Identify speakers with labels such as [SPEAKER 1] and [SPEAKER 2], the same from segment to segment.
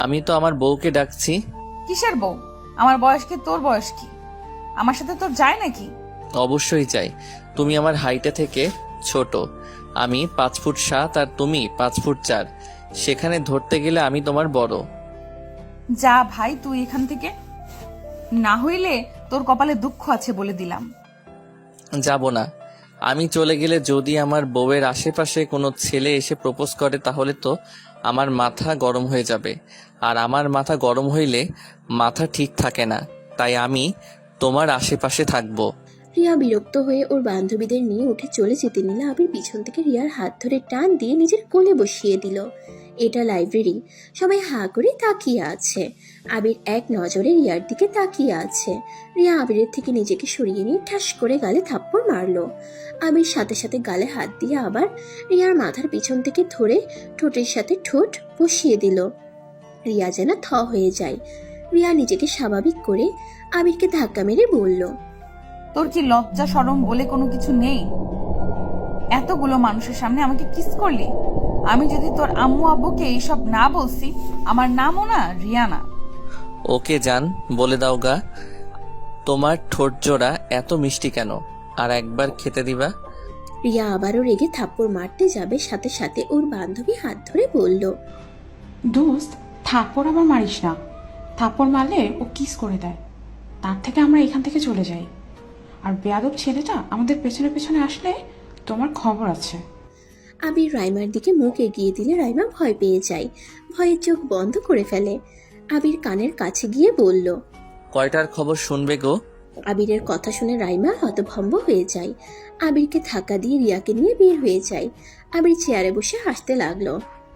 [SPEAKER 1] আমি তো আমার বউকে ডাকছি।
[SPEAKER 2] কিসের বউ? আমার বয়স কি তোর বয়স কি? আমার সাথে তোর যায় নাকি?
[SPEAKER 1] অবশ্যই চাই। তুমি আমার হাইটে থেকে ছোট। আমি 5 ফুট 7 আর তুমি 5 ফুট 4। সেখানে ধরতে গেলে আমি তোমার বড়।
[SPEAKER 2] যা ভাই তুই এখান থেকে, না হইলে তোর কপালে দুঃখ আছে বলে দিলাম।
[SPEAKER 1] যাব না। আমি চলে গেলে যদি আমার বউয়ের আশেপাশে কোনো ছেলে এসে প্রপোজ করে তাহলে তো আমার মাথা গরম হয়ে যাবে, আর আমার মাথা গরম হইলে মাথা ঠিক থাকে না। তাই আমি তোমার আশেপাশে থাকবো।
[SPEAKER 3] রিয়া বিরক্ত হয়ে ওর বান্ধবীদের নিয়ে উঠে চলে যেতে নিলে আবির পিছন থেকে রিয়ার হাত ধরে টান দিয়ে নিজের কোলে বসিয়ে দিল। এটা লাইব্রেরি, সবাই হাঁ করে তাকিয়ে আছে। আবির এক নজরে রিয়ার দিকে তাকিয়ে আছে। রিয়া আবিরের থেকে নিজেকে সরিয়ে নিয়ে ঠাস করে গালে থাপ্পড় মারলো। আবির সাথে সাথে গালে হাত দিয়ে আবার রিয়ার মাথার পিছন থেকে ধরে ঠোঁটের সাথে ঠোঁট বসিয়ে দিল। রিয়া যেন থ হয়ে যায়। রিয়া নিজেকে স্বাভাবিক করে আবিরকে ধাক্কা মেরে বলল,
[SPEAKER 2] তোর কি লজ্জা শরম বলে কোনো কিছু নেই? এতগুলো মানুষের সামনে আমাকে কিস করলি। আমি যদি তোর আম্মু আব্বুকে এইসব না বলছি, আমার নামও না রিয়ানা।
[SPEAKER 1] ওকে জান, বলে দাও গা, তোমার ঠোঁট জোড়া এত মিষ্টি কেন? আর একবার খেতে দিবা?
[SPEAKER 3] রিয়া আবারও রেগে থাপ্পড় মারতে যাবে, সাথে সাথে ওর বান্ধবী হাত ধরে বলল,
[SPEAKER 4] দোস্ত, থাপ্পড় আবার মারিস না। থাপ্পড় মারলে ও কিস করে দেয়। তার থেকে আমরা এখান থেকে চলে যাই। আর বেয়াদব ছেলেটা আমাদের পেছনে পেছনে আসলে তোমার খবর আছে।
[SPEAKER 3] আবির রাইমার দিকে মুখ এগিয়ে দিলে রাইমা ভয় পেয়ে যায়। ভয়ের চোখ বন্ধ করে ফেলে। আবির কানের কাছে গিয়ে বলল,
[SPEAKER 1] কয়টার খবর শুনবে গো?
[SPEAKER 3] আবিরের কথা শুনে রাইমা হতভম্ব হয়ে যায়। আবিরকে ধাক্কা দিয়ে রিয়াকে নিয়ে বের হয়ে যায়। আবির চেয়ারে বসে হাসতে লাগলো।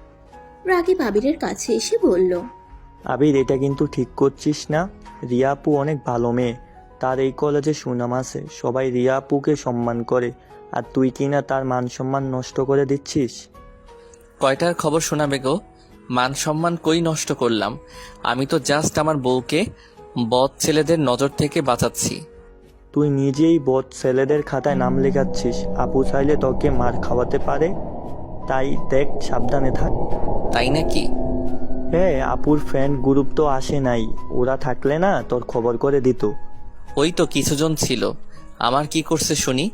[SPEAKER 3] রাকিব আবিরের কাছে এসে বলল,
[SPEAKER 5] আবির, এটা কিন্তু ঠিক করছিস না। রিয়া আপু অনেক ভালো মেয়ে, তার এই কলেজে সুনাম আছে, সবাই রিয়া আপুকে সম্মান করে, আর তুই কিনা তার মান সম্মান নষ্ট করে দিচ্ছিস।
[SPEAKER 1] কয়টার খবর শোনাবে গো? মান সম্মান কই নষ্ট করলাম? আমি তো জাস্ট আমার বউকে বদ ছেলেদের নজর থেকে বাঁচাচ্ছি।
[SPEAKER 5] তুই নিজেই বদ ছেলেদের খাতায় নাম লেখাচ্ছিস। আপু চাইলে তোকে মার খাওয়াতে পারে, তাই দেখ, সাবধানে থাক।
[SPEAKER 1] তাই নাকি?
[SPEAKER 5] হ্যাঁ, আপুর ফ্রেন্ড গ্রুপ তো আসে নাই, ওরা থাকলে না তোর খবর করে দিত।
[SPEAKER 1] ওই তো কিছুজন ছিল। আমার কি করছে শুনি?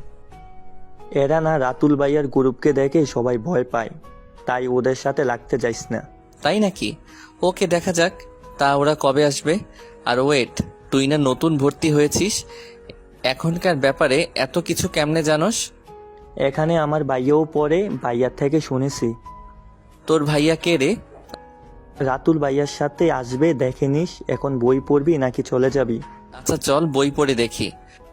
[SPEAKER 5] এরা না রাতুল ভাইয়ার গ্রুপকে দেখে সবাই ভয় পায়, তাই ওদের সাথে লাগতে যাইস না।
[SPEAKER 1] তাই নাকি? ওকে, দেখা যাক। তা ওরা কবে আসবে? আর ওয়েট, তুই না নতুন ভর্তি হয়েছিস, এখনকার ব্যাপারে এত কিছু কেমনে জানোস?
[SPEAKER 5] এখানে আমার ভাইয়াও পড়ে, ভাইয়ার থেকে শুনেছি।
[SPEAKER 1] তোর ভাইয়া কে রে?
[SPEAKER 5] রাতুল ভাইয়ার সাথে আসবে, দেখে নিস। এখন বই পড়বি নাকি চলে যাবি?
[SPEAKER 1] আচ্ছা চল বই পড়ে দেখি।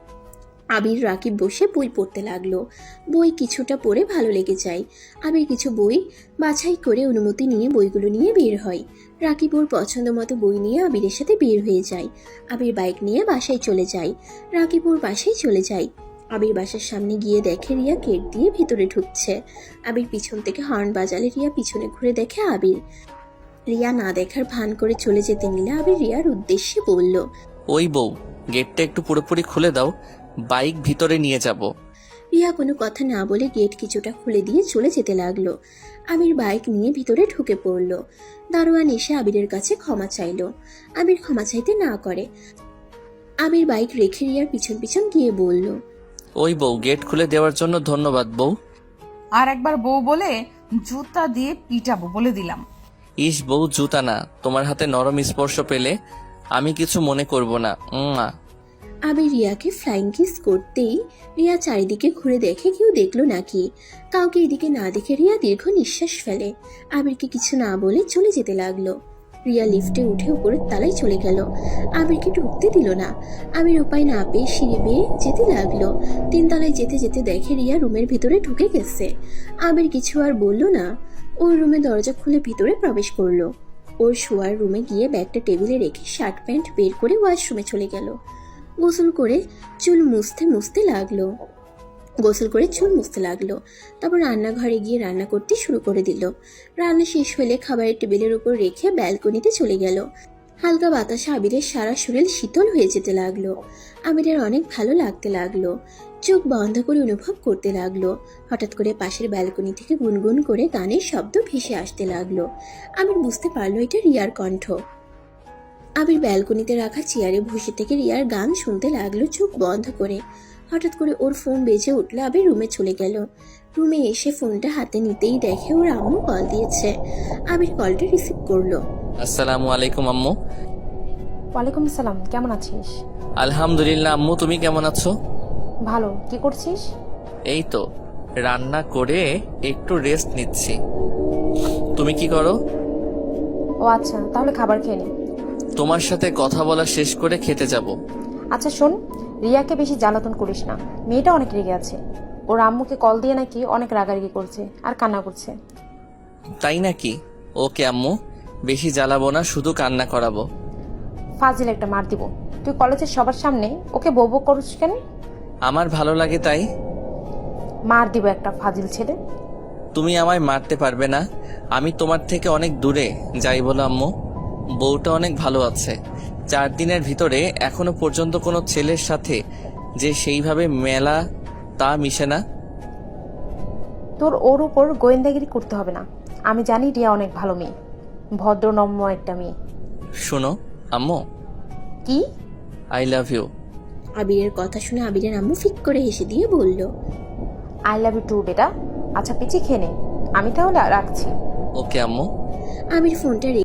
[SPEAKER 3] আবির রাকিব বসে বই পড়তে লাগলো। বই কিছুটা পড়ে ভালো লেগে যায়। আবির কিছু বই বাছাই করে অনুমতি নিয়ে বইগুলো নিয়ে বের হয়। রাকিব ওর পছন্দ মতো বই নিয়ে আবিরের সাথে বের হয়ে যায়। আবির বাইক নিয়ে বাসায় চলে যায়। রাকিব ওর বাসায় চলে যায়। আবির বাসার সামনে গিয়ে দেখে রিয়া গেট দিয়ে ভিতরে ঢুকছে। আবির পিছন থেকে হর্ন বাজালে রিয়া পিছনে ঘুরে দেখে আবির। রিয়া না দেখার ভান করে চলে যেতে নিলে আবির রিয়ার উদ্দেশ্যে বলল,
[SPEAKER 1] ওই বউ, গেটটা একটু পুরোপুরি খুলে দাও, বাইক ভিতরে নিয়ে যাব।
[SPEAKER 3] রিয়া কোনো কথা না বলে গেট কিছুটা খুলে দিয়ে চলে যেতে লাগলো। আবির বাইক নিয়ে ভিতরে ঢুকে পড়ল। দারোয়ান এসে আবিরের কাছে ক্ষমা চাইলো। আবির ক্ষমা চাইতে না করে। আবির বাইক রেখে রিয়ার পিছন পিছন গিয়ে বলল,
[SPEAKER 1] ওই বউ, গেট খুলে দেওয়ার জন্য ধন্যবাদ বউ।
[SPEAKER 2] আর একবার বউ বলে জুতা দিয়ে পিটাবো বলে দিলাম।
[SPEAKER 1] ইস বউ, জুতা না, তোমার হাতে নরম স্পর্শ পেলে আমি কিছু মনে করব না।
[SPEAKER 3] আবির রিয়াকে ফ্লাইং কিস করতেই রিয়া চারিদিকে ঘুরে দেখে কেউ দেখলো নাকি। কাউকে এদিকে না দেখে রিয়া দীর্ঘ নিঃশ্বাস ফেলে। আবিরকে কিছু না বলে চলে যেতে লাগলো। রিয়া লিফটে উঠে উপরের তলায় চলে গেল। আবিরকে ঢুকতে দিল না। আবির উপায় না পেয়ে সিঁড়ি বেয়ে যেতে লাগলো। 3 তলায় যেতে যেতে দেখে রিয়া রুমের ভিতরে ঢুকে গেছে। আবির কিছু আর বলল না। ওর রুমে দরজা খুলে ভিতরে প্রবেশ করলো। ওর শোয়ার রুমে গিয়ে ব্যাগটা টেবিলে রেখে শার্ট প্যান্ট বের করে ওয়াশরুমে চলে গেল। গোসল করে চুল মুছতে লাগলো। তারপর রান্নাঘরে গিয়ে রান্না করতে শুরু করে দিল। রান্না শেষ হলে খাবারের টেবিলের উপর রেখে ব্যালকনিতে চলে গেল। হালকা বাতাসে আবিরের সারা শরীর শীতল হয়ে যেতে লাগলো। আবিরের অনেক ভালো লাগতে লাগলো। চোখ বন্ধ করে অনুভব করতে লাগলো। হঠাৎ করে পাশের ব্যালকনি থেকে গুনগুন করে গানের শব্দ ভেসে আসতে লাগলো। আবির বুঝতে পারলো এটা রিয়ার কণ্ঠ। আবির ব্যালকনিতে রাখা চেয়ারে বসে থেকে রিয়ার গান শুনতে লাগলো চোখ বন্ধ করে। হঠাৎ করে ওর ফোন বেজে উঠলে আবির রুমে চলে গেল। রুমে এসে ফোনটা হাতে নিতেই দেখে ওর আম্মু কল দিয়েছে। আবির কলটা রিসিভ করলো।
[SPEAKER 1] আসসালামু আলাইকুম আম্মু।
[SPEAKER 6] ওয়ালাইকুম আসসালাম, কেমন আছিস?
[SPEAKER 1] আলহামদুলিল্লাহ আম্মু, তুমি কেমন আছো?
[SPEAKER 6] ভালো। কি করছিস?
[SPEAKER 1] এই তো রান্না করে একটু রেস্ট নিচ্ছি। তুমি কি করো?
[SPEAKER 6] ও আচ্ছা, তাহলে খাবার খেয়ে নি।
[SPEAKER 1] তোমার সাথে কথা বলা শেষ করে খেতে যাব।
[SPEAKER 6] আচ্ছা শোন, রিয়াকে বেশি জ্বালাতন করিস না, মেয়েটা অনেক রেগে আছে। ওর আম্মুকে কল দিয়ে নাকি অনেক রাগারাগি করছে আর কান্না করছে।
[SPEAKER 1] তাই নাকি? ওকে আম্মু, বেশি জ্বালাবো না, শুধু কান্না করাবো।
[SPEAKER 6] ফাজিল একটা মার দিব। তুই কলেজের সবার সামনে ওকে বউ বউ করিস কেন?
[SPEAKER 1] আমার ভালো লাগে তাই।
[SPEAKER 6] মার দিব একটা, ফাজিল ছেলে।
[SPEAKER 1] তুমি আমায় মারতে পারবে না, আমি তোমার থেকে অনেক দূরে। যাই বলো আম্মু, বউটা অনেক ভালো আছে। 4 দিনের ভিতরে এখনো পর্যন্ত কোনো ছেলের সাথে যে সেইভাবে মেলা তা মিশে না।
[SPEAKER 6] তোর ওর উপর গোয়েন্দাগিরি করতে হবে না। আমি জানি রিয়া অনেক ভালো মেয়ে, ভদ্রনম্য একটা মেয়ে।
[SPEAKER 1] শোনো আম্মু,
[SPEAKER 6] কি?
[SPEAKER 1] I love you.
[SPEAKER 3] আবিরের কথা শুনে আবিরের আম্মু ফিক করে হেসে দিয়ে বলল,
[SPEAKER 6] আই লাভ ইউ টু বেটা। আচ্ছা পিচি খেয়ে নে, আমি তাহলে রাখছি।
[SPEAKER 1] ওকে আম্মু।
[SPEAKER 3] আবির ফোনটা